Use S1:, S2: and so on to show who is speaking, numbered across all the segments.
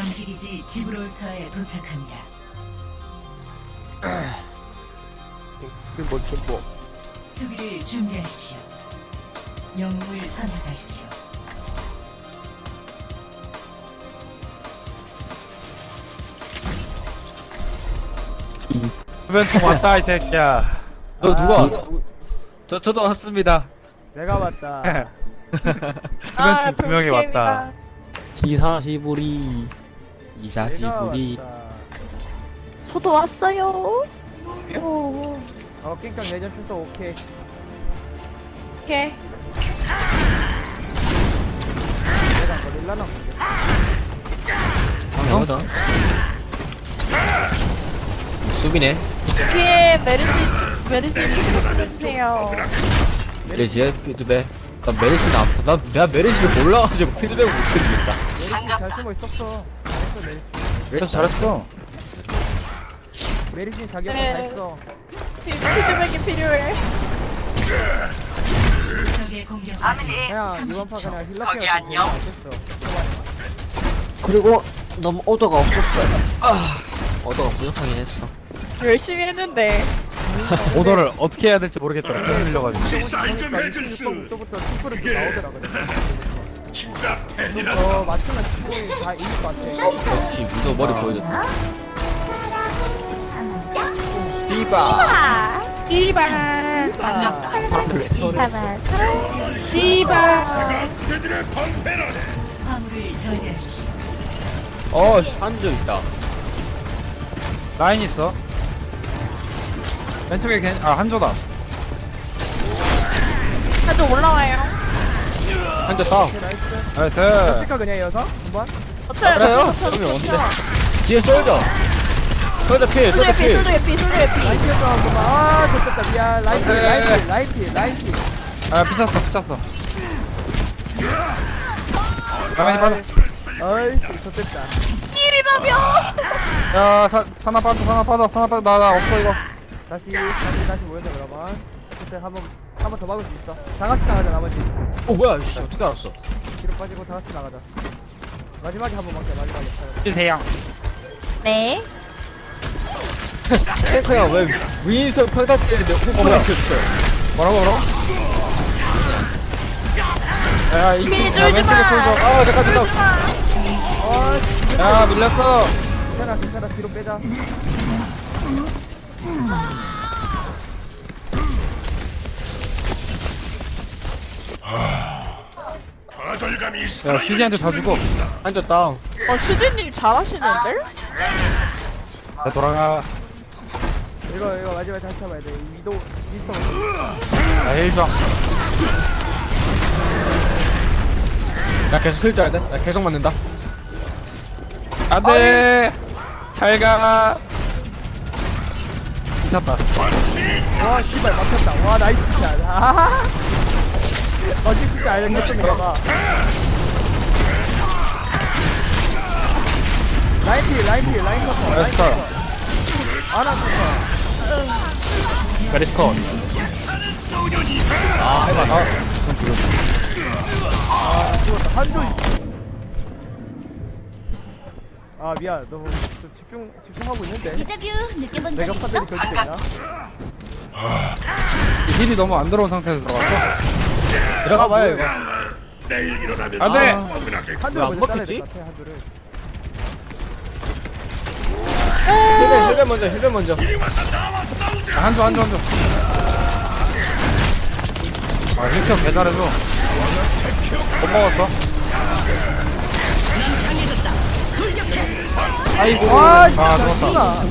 S1: 감식이지 지브롤터에 도착합니다.
S2: 뭐
S1: 수비를 준비하십시오. 영웅을 선택하십시오.
S3: 주변통 왔다 이 새끼야.
S2: 너 누가? 저도 왔습니다.
S4: 내가 맞다.
S3: 주변통 두 명이 왔다.
S5: 기사시부리.
S2: 이사시부리.
S6: 저도 왔어요.
S4: 깽깡 내전 출석 오케이.
S6: 오케이.
S4: 내가 안 걸릴라나?
S2: 방어다. 수비네.
S6: 뒤에 메르시 해주세요.
S2: 메리시의 피드백. 나 메리시는 안, 내가 메리시를 몰라가지고 피드백을 못해주겠다.
S4: 메리시 잘 숨어 있었어. 잘했어 메리시.
S2: 메리시 잘했어.
S4: 메리시 자기 역할 다 했어.
S6: 피드백이 필요해.
S1: 적의 공격까지
S4: 그냥 이번 파 그냥 힐러케어 안녕. 알겠어.
S2: 그리고 너무 오더가 없었어. 오더가 부족하긴 했어.
S6: 열심히 했는데.
S3: 오더를 어떻게 해야 될지 모르겠더라. 힘 밀려가지고.
S4: 그러니까 26%부터 10% 나오더라고요. 맞추면 기본이 다 이길 것 같아.
S2: 역시 무더 머리 보여줬다. 비바.
S6: 이발. 시발.
S1: 화물을 저지하십시오.
S2: 한조 있다.
S3: 라인 있어. 왼쪽에 한조다.
S6: 한쪽 올라와요.
S2: 한조 싸.
S3: 나이스.
S4: 스티커 그냥 이어서 한번.
S2: 그래요? 그러면 언제? 뒤에 쏠져. 쏠져 필, 쏠져 필.
S4: 라이트 좀 아, 좋겠다. 미안. 라이트.
S3: 아 피쳤어. 가만히 빠져.
S4: 어이, 좋겠다.
S6: 일이라며.
S3: 야 사나 빠져. 나 없어 이거.
S4: 다시 모여자 그러면. 그때 한번 더 막을 수 있어. 다 같이 나가자 나머지.
S2: 뭐야, 씨, 어떻게 알았어?
S4: 뒤로 빠지고 다 같이 나가자. 마지막에 한번 막자 마지막에.
S3: 대양.
S6: 네.
S2: 탱커야, 왜 윈스턴 평타 때리는데 후보를 켰어?
S3: 뭐라고? 야 이.
S6: 밀어주지 마.
S2: 잠깐.
S3: 야 밀렸어.
S4: 괜찮아. 뒤로 빼자.
S3: 야 시디한테 다 주고.
S2: 한조 다운.
S6: 슈디님 잘하시는데?
S3: 야 돌아가.
S4: 이거 마지막에 다시 잡아야 돼. 위도 미스터.
S3: 야 힐병.
S2: 나 계속 힐 줘야 돼? 나 계속 맞는다.
S3: 안돼. 잘 가. 미쳤다.
S4: 와 씨발 막혔다. 와 나이스 샷. 아하하. 진짜 알겠어 내가. 라인 커터.
S3: 나이스.
S4: 아나 커터.
S3: 메리스컷.
S2: 해봐.
S4: 죽었다. 한조. 아 미안. 너무 집중하고 있는데.
S1: 데자뷰 느껴본
S4: 내가 파들이 결집됐나?
S3: 힐이 너무 안 들어온 상태에서 들어갔어.
S2: 들어가봐요, 이거.
S3: 안돼.
S4: 한조를
S2: 안
S4: 먼저
S2: 먹혔지?
S4: 잘라야 될 것 같아. 한조를.
S2: 힐벤 먼저.
S3: 한조. 아 힐병 개 잘해줘. 못 먹었어. 아이고.
S4: 와
S3: 죽었다.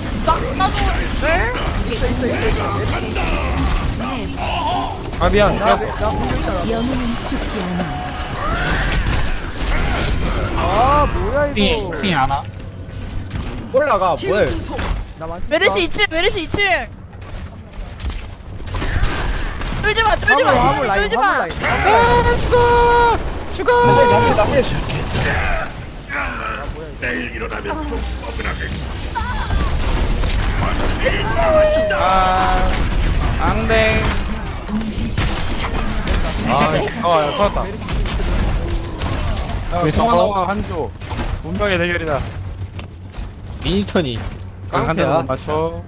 S3: 아 미안.
S4: 나
S3: 죽였어.
S4: 보고 있잖아.
S1: 영웅은 죽지 않아.
S4: 아 뭐야 이거.
S5: 핑이 안 와.
S2: 올라가, 뭐해.
S4: 나 많지?
S6: 메르시 2층. 쫄지마.
S4: 화물 라인.
S3: 앙댕.
S1: 동시
S3: 야, 터졌다. 야, 성환아와 한조. 운명의 대결이다.
S2: 미니턴이
S3: 한 대만
S2: 깡패야.
S3: 맞춰.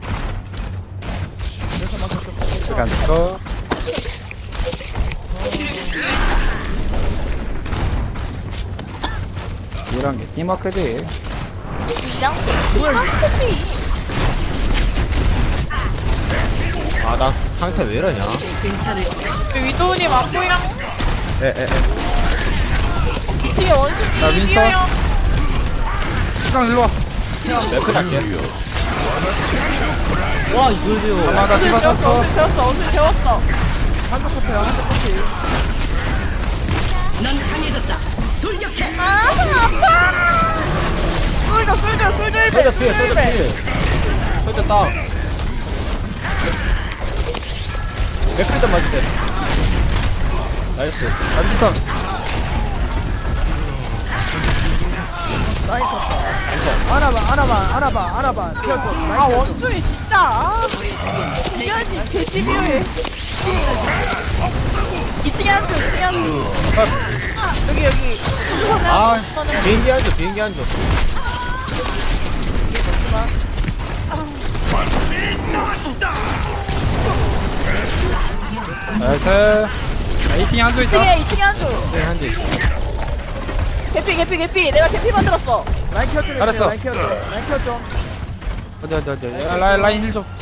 S3: 시간 쳐. 이런 게 팀워크지.
S2: 아 나 상태 왜 이러냐.
S6: 위도우님 안 보여?
S2: 에에에
S6: 2층에 원숭이
S3: 자, 윈스턴.
S6: 뛰어요.
S3: 시간 일로 와.
S2: 맥크 할게.
S5: 와 이걸 배워.
S3: 아마 나
S6: 어슬
S3: 디바
S6: 재웠어,
S3: 떴어.
S6: 어슬 재웠어, 어슬 재웠어.
S4: 한쪽 커트야 한쪽 커트.
S6: 아, 아파! 쏠져, 쏠져, 쏠져, 일배,
S2: 쏘자 피해 쏘자 피해. 쏘자 다운. 맥크 좀 맞지 돼. 나이스.
S3: 안지턴.
S4: 라인 커트. 안아봐. 튀어줘.
S6: 아, 원숭이 진짜. 아, 미안해, 개시비해. 2층에 한 줄, 2층에 한 줄. 여기.
S2: 아 비행기 한줘 비행기 한줘.
S3: 나이스. 2층에 한조 있다.
S6: 2층에 한 줄.
S2: 네 한대 있어.
S6: 개피. 내가 개피 만들었어.
S4: 라인 켜줘.
S3: 알았어.
S4: 라인 켜줘.
S3: 어디. 라인 힐 좀.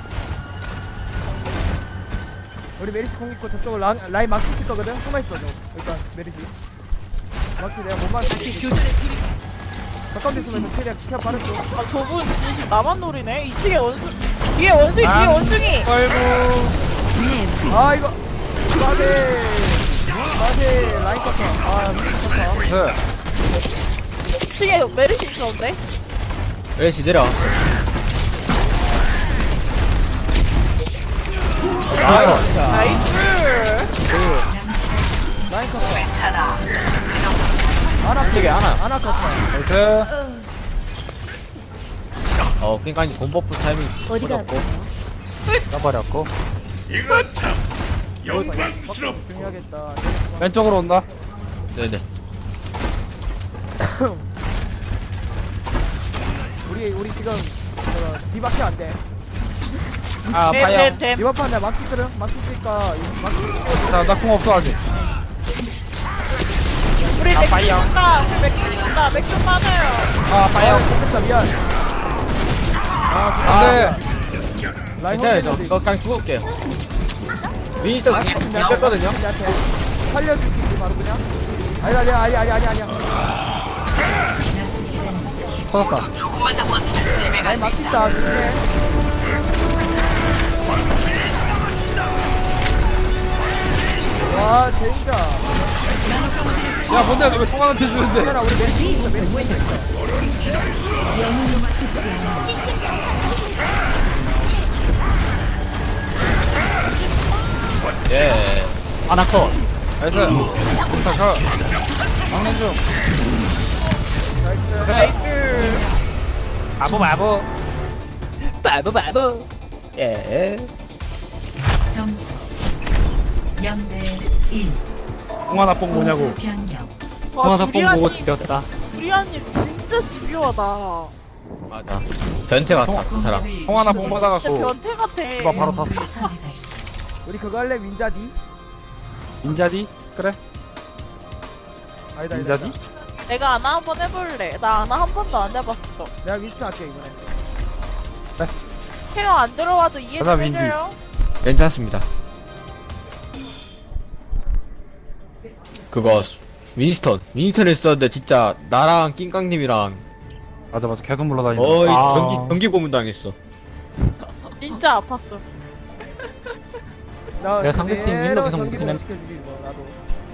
S4: 우리 메리시 공 있고 저쪽을 라인 막히 칠 거거든. 숨어 있어 너. 일단 메리시. 막히 내가 못 막히. 가까운 데 있으면 최대한 케어 빠르죠.
S6: 아, 저분 진짜 나만 노리네. 2층에 원숭이. 뒤에 원숭이.
S3: 아이고.
S4: 아 이거. 마세 라인 커터. 아 미친 커터.
S3: 네.
S6: 2층에 메르시 있었는데.
S2: 웨시 내려왔어.
S6: 나이스.
S4: 라인 커터. 아나
S2: 되게 하나.
S4: 아나 커터.
S3: 나이스.
S2: 깽까지 본버프 타이밍
S1: 어디가
S2: 뿌렸고.
S3: 써버렸고.
S4: 중요하겠다.
S3: 왼쪽으로 온다.
S2: 네네.
S4: 우리 지금 디바케 안 돼.
S3: 아, 파이어.
S6: 됨.
S4: 이번 판 내가 막히거든. 막히니까
S3: 나궁 없어 아직.
S6: 우리
S3: 아,
S6: 맥주
S3: 파이어.
S6: 준다. 맥주 많아요.
S3: 아, 파이어.
S4: 됐다 미안.
S3: 안돼.
S4: 라인
S2: 괜찮아요 저.
S4: 혼자
S2: 이거 그냥 죽을게요. 미니턴 그냥 뺐거든요.
S4: 나한테 살려줄 수 있지 바로 그냥. 아니야.
S1: 남은 시간 10초.
S3: 터졌다.
S4: 라인 막힌다. 조심해. 와 진짜.
S3: 야, 뭔데 너왜 통화한테 주는데?
S4: 얘들아 우리 메리시 있어. 메리시 있어.
S1: 영웅은 죽지 않아.
S2: 예.
S5: 아나컷.
S3: 나이스. 부탁하. 막는 중. 마보.
S5: 바보.
S2: 예.
S1: 점수 0대 1.
S3: 공하나 뽕 뭐냐고.
S1: 공수 변경.
S5: 통화사 뽕 보고 지렸다.
S6: 두리안님 진짜 집요하다.
S2: 맞아. 변태 같아 그 사람.
S3: 공하나 뽕
S6: 진짜
S3: 받아갖고.
S6: 변태 같아.
S3: 누가 바로 탔어.
S1: 선택하십시오.
S4: 우리 그거 할래 윈자디?
S3: 인자디? 그래.
S4: 아니다.
S3: 인자디?
S6: 내가 아나 한번 해볼래. 나 아나 한 번도 안 해봤어.
S4: 내가 윈스턴 할게 이번에.
S6: 케어 안 들어와도 이해
S3: 가자,
S6: 좀
S3: 윈디.
S6: 해줘요.
S2: 괜찮습니다. 그거 미니턴 했었는데 진짜 나랑 낑깡님이랑
S3: 맞아. 계속 물러다니는.
S2: 거의
S5: 아.
S2: 전기 고문 당했어.
S6: 진짜 아팠어.
S4: 나
S5: 내가 상대팀
S4: 그대로
S5: 윈러 계속
S4: 전기도
S5: 먹긴 했-
S4: 시켜주기 뭐 나도.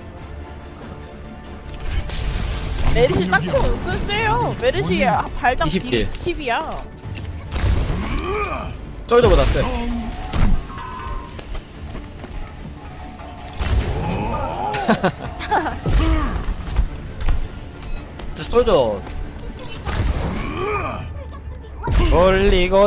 S6: 메르시 딱총 은근 세요. 메르시 발당
S2: 20킬.
S6: 팁이야.
S2: 쩔저보다 세. 쩔저
S3: 돌리고.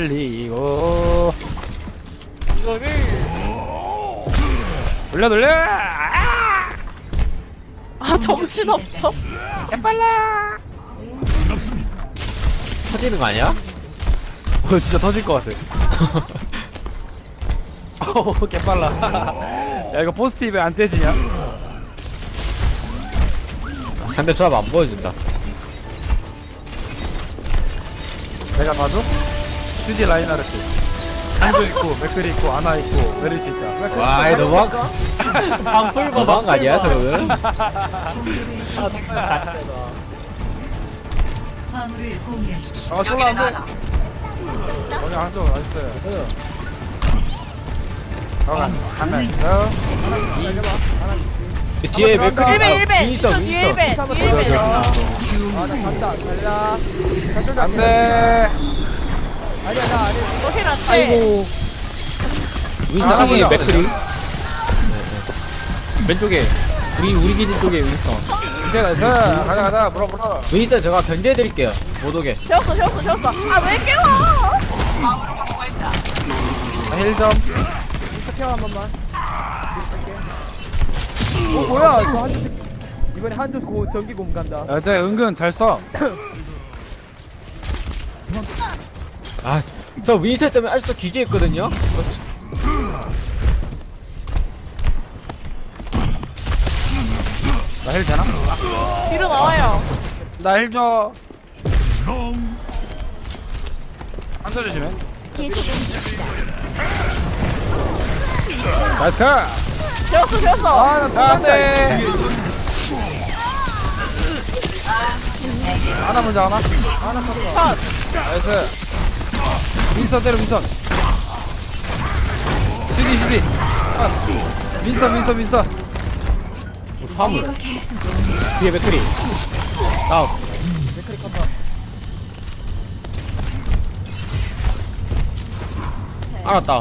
S6: 이거를
S3: 돌려.
S6: 아 정신 없어.
S3: 빨라.
S2: 터지는 거 아니야?
S3: 진짜 터질 것 같아. 오, 개빨라. 야, 이거 포스티브에 안 떼지냐?
S2: 상대 조합 안 보여준다.
S3: 내가 봐도? 휴지 라인하르트. 한조 있고, 맥클이 있고, 아나 있고, 메르시 있다.
S2: 와, 이 너무한 너무한 거 아니야, 저거는?
S1: 화물을 공유하십시오.
S3: 아, 솔라 안 돼. 거기 한조 나이스. 하나 있어.
S2: 그 뒤에 맥크리
S6: 1배 1배
S2: 윈스턴
S6: 뒤에
S2: 윈스턴
S6: 1배 뒤에 1배
S4: 아나 간다 달라 간다
S3: 안 돼.
S4: 아니야 나 아니
S6: 너힐 안돼
S3: 아이고.
S2: 윈스턴
S3: 아,
S2: 하기
S3: 뭐야.
S2: 맥크리
S5: 왼쪽에 우리 기지 쪽에 윈스턴.
S3: 이제 나이스. 가자, 물어.
S2: 윈스턴 제가 견제해드릴게요 못 오게.
S6: 재웠어 아왜 깨워
S3: 힐 좀.
S4: 태워 한 번만 뭐야 저 한조 이번에 한조 전기 곰 간다
S3: 야, 쟤 은근 잘 써.
S2: 아저 윈스턴 때문에 아직도 기지했거든요.
S3: 나 힐 되나?
S6: 뒤로 나와요
S3: 나 힐 줘. 한조 조심해. 나이스 카!
S6: 재웠어
S3: 아나 안돼. 하나 먼저 하나.
S6: 컷
S3: 나이스. 윈스턴 때려 윈스턴. 휴지. 윈스턴.
S2: 화물
S1: 계속
S2: 뒤에 맥크리 다운. 알았다.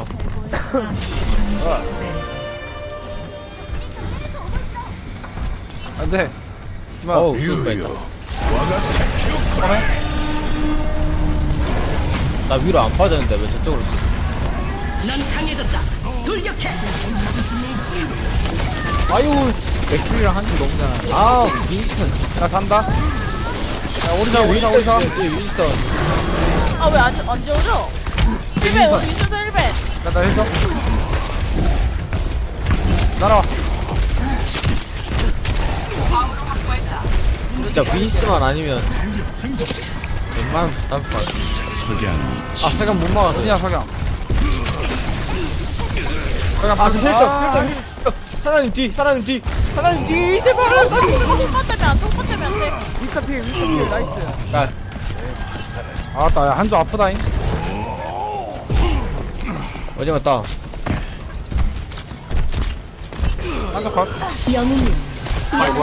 S3: 안돼. 하지마.
S2: 어우 쏠 뻔했다. 나 위로 안 빠졌는데 왜 저쪽으로 쏘?
S5: 아유 맥클이랑 한줄 너무 잘하네.
S2: 아 윈스턴.
S3: 나 간다. 야 오리사.
S2: 뒤에 윈스턴.
S6: 아 왜 안 재워져 1배 우리 윈스턴 1배
S3: 나 힐 줘. 날아와.
S2: 진짜 윈스만 아니면 웬만하면 답것 같아. 아 세간 못 막았어.
S3: 어디냐 석양.
S2: 아 힐점. 사장님 뒤 제발.
S6: 통과 때문에 안돼
S4: 윈스턴 필 나이스
S2: 야
S3: 아따 야 한조 아프다잉.
S2: 어디 갔다.
S3: 한조 컷.
S5: 아이고.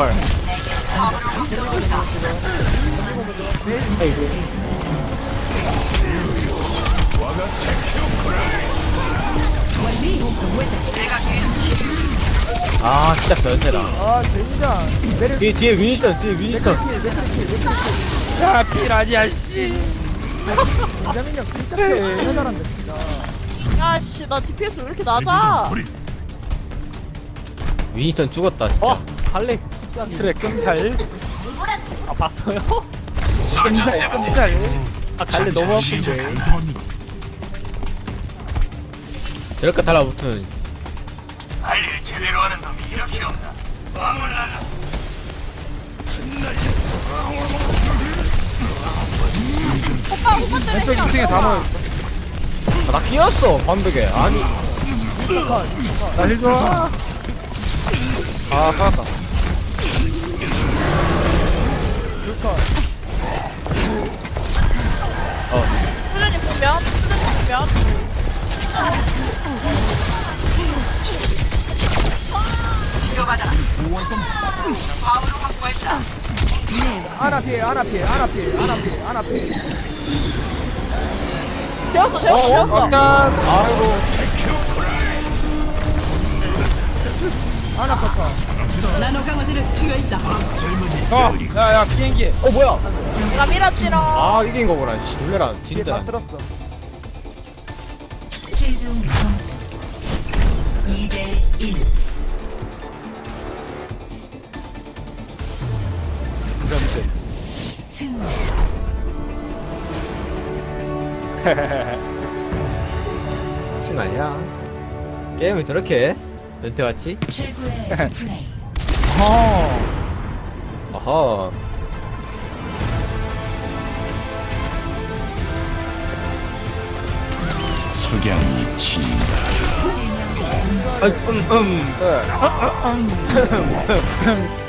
S2: 아 진짜 변태다.
S4: 아 젠장 메르
S2: 뒤에 윈스턴.
S3: 야 필 아니야 씨.
S4: 이자민 형 진짜 진짜 잘한다 진짜
S6: 야씨 나 DPS 왜 이렇게 낮아
S2: 윈스턴 죽었다 진짜.
S5: 갈래.
S3: 그래 끔살.
S5: 아 봤어요?
S3: 끔살.
S5: 아 갈래 너무 아픈데.
S2: 저렇게 달라붙으면
S6: 오빠 때문에
S3: 왼쪽 2층에 다 모여.
S2: 나 끼었어 반벽에. 아니
S3: 나 힐 줘. 아 살았다.
S6: 수준이 보면
S4: 아나 필
S6: 재웠어
S3: 잠깐.
S4: 아나 커터
S3: 야야 비행기.
S2: 뭐야.
S6: 내가 밀었지롱
S2: 아 이긴 거구나. 씨 놀래라
S4: 뒤에 다
S2: 진짜.
S4: 쓸었어
S1: 최종 점수 2대1. 승리.
S2: 미친 거 아니야? 게임을 저렇게 해? 연태같이?
S1: 최고의 플레이.
S2: 어허.
S7: 석양이 진다.
S2: 아,